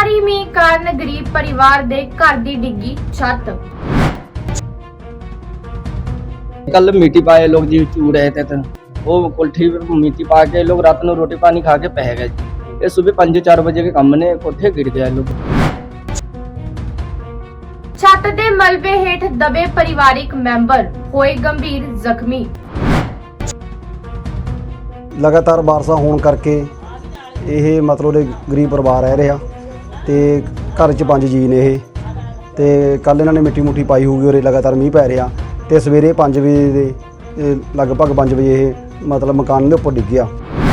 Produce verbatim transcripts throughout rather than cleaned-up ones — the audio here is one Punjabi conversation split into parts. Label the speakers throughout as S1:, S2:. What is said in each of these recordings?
S1: भारी मींह कारण गरीब परिवार दे घर दी डिग्गी छत।
S2: कल मिट्टी पाए लोग जी चू रहे थे तो वो कोठी पर मिट्टी पा के लोग रात में रोटी पानी खा के पह गए जी। ये सुबह पाँच चार बजे के कम ने कोठे गिर गया लोग।
S1: छत दे मलबे हेठ दबे परिवारिक मैंबर होए गंभीर जख्मी।
S3: लगातार बारिशां होने करके ਇਹ ਮਤਲਬ ਦੇ ਗਰੀਬ ਪਰਿਵਾਰ ਰਹਿ ਰਿਹਾ ਤੇ ਘਰ 'ਚ ਪੰਜ ਜੀ ਨੇ ਇਹ ਤੇ ਕੱਲ ਇਹਨਾਂ ਨੇ ਮਿੱਟੀ ਮੁੱਠੀ ਪਾਈ ਹੋਊਗੀ ਔਰ ਲਗਾਤਾਰ ਮੀਂਹ ਪੈ ਰਿਹਾ ਤੇ ਸਵੇਰੇ ਪੰਜ ਵਜੇ ਦੇ ਲਗਭਗ ਪੰਜ ਵਜੇ ਇਹ ਮਤਲਬ ਮਕਾਨ ਦੇ ਉੱਪਰ ਡਿੱਗ ਗਿਆ।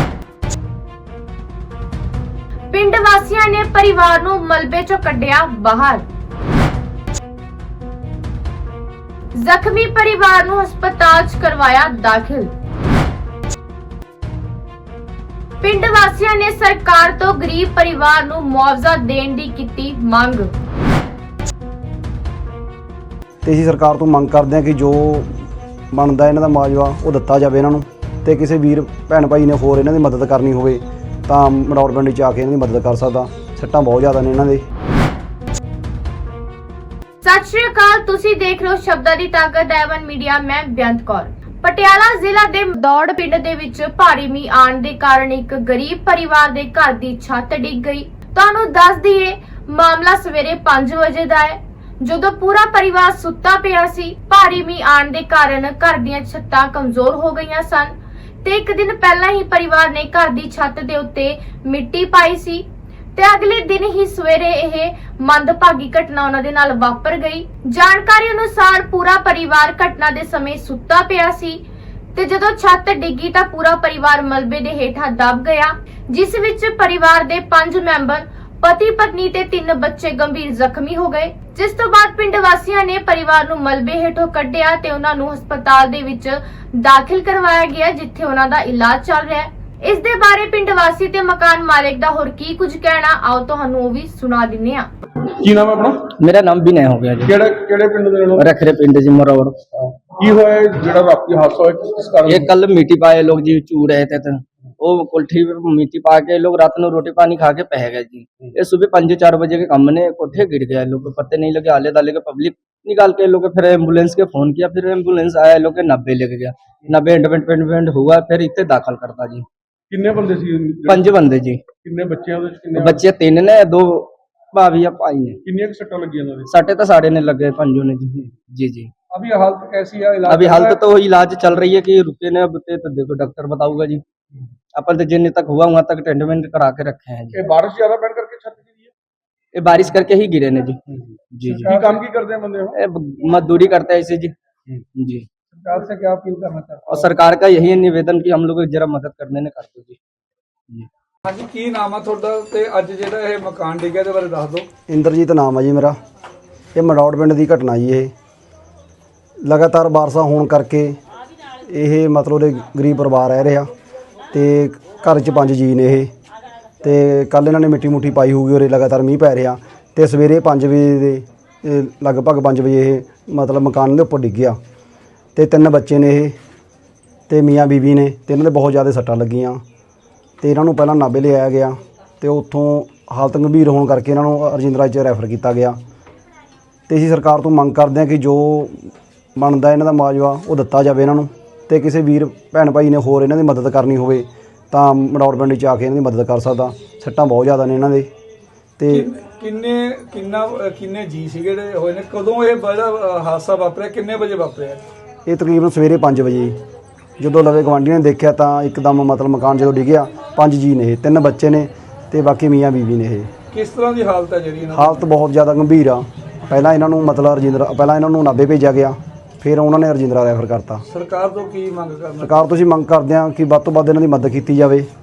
S1: ਪਿੰਡ ਵਾਸੀਆਂ ਨੇ ਪਰਿਵਾਰ ਨੂੰ ਮਲਬੇ 'ਚੋਂ ਕੱਢਿਆ ਬਾਹਰ। ਜ਼ਖਮੀ ਪਰਿਵਾਰ ਨੂੰ ਹਸਪਤਾਲ 'ਚ ਕਰਵਾਇਆ ਦਾਖਲ। ਪਿੰਡ ਵਾਸੀਆਂ ਨੇ ਸਰਕਾਰ ਤੋਂ ਗਰੀਬ ਪਰਿਵਾਰ ਨੂੰ ਮੁਆਵਜ਼ਾ ਦੇਣ ਦੀ ਕੀਤੀ ਮੰਗ।
S3: ਤੇ ਅਸੀਂ ਸਰਕਾਰ ਤੋਂ ਮੰਗ ਕਰਦੇ ਹਾਂ ਕਿ ਜੋ ਬਣਦਾ ਇਹਨਾਂ ਦਾ ਮੁਆਵਜ਼ਾ ਉਹ ਦਿੱਤਾ ਜਾਵੇ ਇਹਨਾਂ ਨੂੰ ਤੇ ਕਿਸੇ ਵੀਰ ਭੈਣ ਭਾਈ ਨੇ ਹੋਰ ਇਹਨਾਂ ਦੀ ਮਦਦ ਕਰਨੀ ਹੋਵੇ ਤਾਂ ਮੜੌੜ ਪਿੰਡ 'ਚ ਆ ਕੇ ਇਹਨਾਂ ਦੀ ਮਦਦ ਕਰ ਸਕਦਾ। ਸੱਟਾਂ ਬਹੁਤ ਜ਼ਿਆਦਾ ਨੇ ਇਹਨਾਂ ਦੇ।
S1: ਸਤਿ ਸ਼੍ਰੀ ਅਕਾਲ, ਤੁਸੀਂ ਦੇਖ ਰਹੇ ਹੋ ਸ਼ਬਦਾਂ ਦੀ ਤਾਕਤ ਐਵਨ ਮੀਡੀਆ। ਮੈਂ ਬੇਅੰਤ ਕੌਰ। ਪਟਿਆਲਾ ਜ਼ਿਲ੍ਹਾ ਦੇ ਦੌੜ ਪਿੰਡ ਦੇ ਵਿੱਚ ਭਾਰੀ ਮੀਂਹ ਆਉਣ ਦੇ ਕਾਰਨ ਇੱਕ ਗਰੀਬ ਪਰਿਵਾਰ ਦੇ ਘਰ ਦੀ ਛੱਤ ਡਿੱਗ ਗਈ। ਤੁਹਾਨੂੰ ਦੱਸ ਦਈਏ ਮਾਮਲਾ ਸਵੇਰੇ ਪੰਜ ਵਜੇ ਦਾ ਹੈ, ਜਦੋਂ ਪੂਰਾ ਪਰਿਵਾਰ ਸੁੱਤਾ ਪਿਆ ਸੀ। ਭਾਰੀ ਮੀਂਹ ਆਉਣ ਦੇ ਕਾਰਨ ਘਰ ਦੀਆਂ ਛੱਤਾਂ ਕਮਜ਼ੋਰ ਹੋ ਗਈਆਂ ਸਨ ਤੇ ਇੱਕ ਦਿਨ ਪਹਿਲਾਂ ਹੀ ਪਰਿਵਾਰ ਨੇ ਘਰ ਦੀ ਛੱਤ ਦੇ ਉੱਤੇ ਮਿੱਟੀ ਪਾਈ ਸੀ ਤੇ ਅਗਲੇ ਦਿਨ ਹੀ ਸਵੇਰੇ ਇਹ ਮੰਦਭਾਗੀ ਘਟਨਾ ਉਹਨਾਂ ਦੇ ਨਾਲ ਵਾਪਰ ਗਈ। ਜਾਣਕਾਰੀ ਅਨੁਸਾਰ ਪੂਰਾ ਪਰਿਵਾਰ ਘਟਨਾ ਦੇ ਸਮੇਂ ਸੁੱਤਾ ਪਿਆ ਸੀ ਤੇ ਜਦੋਂ ਛੱਤ ਡਿੱਗੀ ਤਾਂ ਪੂਰਾ ਪਰਿਵਾਰ ਮਲਬੇ ਦੇ ਹੇਠਾਂ ਦਬ ਗਿਆ, ਜਿਸ ਵਿੱਚ ਪਰਿਵਾਰ ਦੇ ਪੰਜ ਮੈਂਬਰ ਪਤੀ ਪਤਨੀ ਤੇ ਤਿੰਨ ਬੱਚੇ ਗੰਭੀਰ ਜ਼ਖਮੀ ਹੋ ਗਏ। ਜਿਸ ਤੋਂ ਬਾਅਦ ਪਿੰਡ ਵਾਸੀਆਂ ਨੇ ਪਰਿਵਾਰ ਨੂੰ ਮਲਬੇ ਹੇਠੋਂ ਕੱਢਿਆ ਤੇ ਉਹਨਾਂ ਨੂੰ ਹਸਪਤਾਲ ਦੇ ਵਿੱਚ ਦਾਖਲ ਕਰਵਾਇਆ ਗਿਆ, ਜਿੱਥੇ ਉਹਨਾਂ ਦਾ ਇਲਾਜ ਚੱਲ ਰਿਹਾ ਹੈ। ਇਸ ਦੇ ਬਾਰੇ ਪਿੰਡ ਵਾਸੀ ਤੇ ਮਕਾਨ ਮਾਲਕ ਦਾ ਹੋਰ ਕੀ ਕੁਝ ਕਹਿਣਾ, ਆਓ ਤੁਹਾਨੂੰ ਉਹ ਵੀ ਸੁਣਾ ਦਿੰਨੇ ਆ।
S4: ਕੀ ਨਾਮ ਹੈ ਆਪਣਾ?
S2: मेरा नाम भी नहीं हो गया जी।
S4: ਕਿਹੜੇ ਕਿਹੜੇ ਪਿੰਡ ਦੇ ਲੋਕ?
S2: रखरे पिंड जी मरोड़।
S4: ਕੀ ਹੋਇਆ ਜਿਹੜਾ ਰਾਤੀ ਹਾਦਸਾ ਹੋਇਆ ਕਿਸ ਕਾਰਨ?
S2: ये कल मिट्टी पाए लोग जी चू रहे थे तो वो कोठी पर मिट्टी पा के लोग रात में रोटी पानी खा के पह गए जी। ये सुबह पाँच चार बजे के कम ने कोठे गिर गया लोग को पत्ते नहीं लगे। आले दाले के पब्लिक निकाल के लोग फिर एम्बुलेंस के फोन किया, फिर एम्बुलेंस आया लोग के नब्बे लेके गया। नब्बे एडमिट हुआ, फिर इतने दाखिल करता जी।
S4: ਕਿੰਨੇ ਬੰਦੇ ਸੀ?
S2: पंज बंदे जी।
S4: ਕਿੰਨੇ ਬੱਚੇ ਉਹਦੇ ਚ? ਕਿੰਨੇ
S2: बच्चे तीन ने, दो भाभी या भाई ने।
S4: ਕਿੰਨੀਆਂ ਕੁ ਸੱਟਾਂ ਲੱਗੀਆਂ ਉਹਨਾਂ ਦੇ?
S2: सटे तो साढ़े ने लगे पंजों ने जी। जी जी
S4: अभी हालत कैसी है? इलाज
S2: अभी
S4: चल रहा
S2: हालत
S4: है?
S2: तो इलाज चल रही है कि रुके ने अब तो देखो डॉक्टर बताऊंगा जी। अपन तो जिन तक हुआ वहां तक टेंटमेंट करा के रखे हैं जी।
S4: ये बारिश ज्यादा पैण करके छत गिरी है?
S2: ये बारिश करके ही गिरे ने जी। जी जी
S4: ਕੀ ਕੰਮ ਕੀ ਕਰਦੇ हैं बंदे?
S2: ये ब- मजदूरी करते हैं इसे जी। जी
S4: सरकार से क्या अपील करना चाहते
S2: और सरकार का यही निवेदन कि हम लोग जरा मदद करने ने करते जी। जी
S4: ਹਾਂਜੀ, ਕੀ ਨਾਮ ਆ ਤੁਹਾਡਾ ਤੇ ਅੱਜ ਜਿਹੜਾ ਇਹ ਮਕਾਨ ਡਿੱਗਿਆ ਦੇ ਬਾਰੇ ਦੱਸ ਦਿਓ।
S3: ਇੰਦਰਜੀਤ ਨਾਮ ਹੈ ਜੀ ਮੇਰਾ। ਇਹ ਮੜੌੜ ਪਿੰਡ ਦੀ ਘਟਨਾ ਜੀ। ਇਹ ਲਗਾਤਾਰ ਬਾਰਿਸ਼ਾਂ ਹੋਣ ਕਰਕੇ ਇਹ ਮਤਲਬ ਦੇ ਗਰੀਬ ਪਰਿਵਾਰ ਰਹਿ ਰਿਹਾ ਤੇ ਘਰ 'ਚ ਪੰਜ ਜੀ ਨੇ ਇਹ ਤੇ ਕੱਲ ਇਹਨਾਂ ਨੇ ਮਿੱਟੀ ਮੁੱਠੀ ਪਾਈ ਹੋਊਗੀ ਔਰ ਲਗਾਤਾਰ ਮੀਂਹ ਪੈ ਰਿਹਾ ਤੇ ਸਵੇਰੇ ਪੰਜ ਵਜੇ ਦੇ ਲਗਭਗ ਪੰਜ ਵਜੇ ਇਹ ਮਤਲਬ ਮਕਾਨ ਦੇ ਉੱਪਰ ਡਿੱਗ ਗਿਆ ਤੇ ਤਿੰਨ ਬੱਚੇ ਨੇ ਇਹ ਤੇ ਮੀਆਂ ਬੀਬੀ ਨੇ ਤੇ ਇਹਨਾਂ ਦੇ ਬਹੁਤ ਜ਼ਿਆਦਾ ਸੱਟਾਂ ਲੱਗੀਆਂ ਤੇ ਇਹਨਾਂ ਨੂੰ ਪਹਿਲਾਂ ਨਾਭੇ ਲਿਆਇਆ ਗਿਆ ਤੇ ਉੱਥੋਂ ਹਾਲਤ ਗੰਭੀਰ ਹੋਣ ਕਰਕੇ ਇਹਨਾਂ ਨੂੰ ਰਜਿੰਦਰਾ 'ਚ ਰੈਫਰ ਕੀਤਾ ਗਿਆ। ਤੇ ਅਸੀਂ ਸਰਕਾਰ ਤੋਂ ਮੰਗ ਕਰਦੇ ਹਾਂ ਕਿ ਜੋ ਬਣਦਾ ਇਹਨਾਂ ਦਾ ਮੁਆਵਜ਼ਾ ਉਹ ਦਿੱਤਾ ਜਾਵੇ ਇਹਨਾਂ ਨੂੰ ਤੇ ਕਿਸੇ ਵੀਰ ਭੈਣ ਭਾਈ ਨੇ ਹੋਰ ਇਹਨਾਂ ਦੀ ਮਦਦ ਕਰਨੀ ਹੋਵੇ ਤਾਂ ਮੜੌੜ ਪਿੰਡ 'ਚ ਆ ਕੇ ਇਹਨਾਂ ਦੀ ਮਦਦ ਕਰ ਸਕਦਾ। ਸੱਟਾਂ ਬਹੁਤ ਜ਼ਿਆਦਾ ਨੇ ਇਹਨਾਂ ਦੇ। ਤੇ
S4: ਕਿੰਨੇ ਕਿੰਨਾ ਕਿੰਨੇ ਜੀ ਸੀ ਜਿਹੜੇ ਹੋਏ ਨੇ? ਕਦੋਂ ਇਹ ਬੜਾ ਹਾਦਸਾ ਵਾਪਰਿਆ? ਕਿੰਨੇ ਵਜੇ ਵਾਪਰਿਆ?
S3: ਇਹ ਤਕਰੀਬਨ ਸਵੇਰੇ ਪੰਜ ਵਜੇ ਜਦੋਂ ਲਵੇ ਗਵਾਂਢੀਆਂ ਨੇ ਦੇਖਿਆ ਤਾਂ ਇੱਕਦਮ ਮਤਲਬ ਮਕਾਨ ਜਦੋਂ ਡਿੱਗਿਆ। ਪੰਜ ਜੀ ਨੇ ਇਹ, ਤਿੰਨ ਬੱਚੇ ਨੇ ਤੇ ਬਾਕੀ ਮੀਆਂ ਬੀਬੀ ਨੇ ਇਹ।
S4: ਕਿਸ ਤਰ੍ਹਾਂ ਦੀ ਹਾਲਤ ਹੈ ਜਿਹੜੀ ਇਹਨਾਂ ਦੀ?
S3: ਹਾਲਤ ਬਹੁਤ ਜ਼ਿਆਦਾ ਗੰਭੀਰ ਆ। ਪਹਿਲਾਂ ਇਹਨਾਂ ਨੂੰ ਮਤਲਬ ਰਜਿੰਦਰਾ ਪਹਿਲਾਂ ਇਹਨਾਂ ਨੂੰ ਨਾਭੇ ਭੇਜਿਆ ਗਿਆ, ਫਿਰ ਉਹਨਾਂ ਨੇ ਰਜਿੰਦਰਾ ਰੈਫਰ ਕਰਤਾ।
S4: ਸਰਕਾਰ ਤੋਂ ਕੀ ਮੰਗ ਕਰਨਾ?
S3: ਸਰਕਾਰ ਤੋਂ ਅਸੀਂ ਮੰਗ ਕਰਦੇ ਹਾਂ ਕਿ ਵੱਧ ਤੋਂ ਵੱਧ ਇਹਨਾਂ ਦੀ ਮਦਦ ਕੀਤੀ ਜਾਵੇ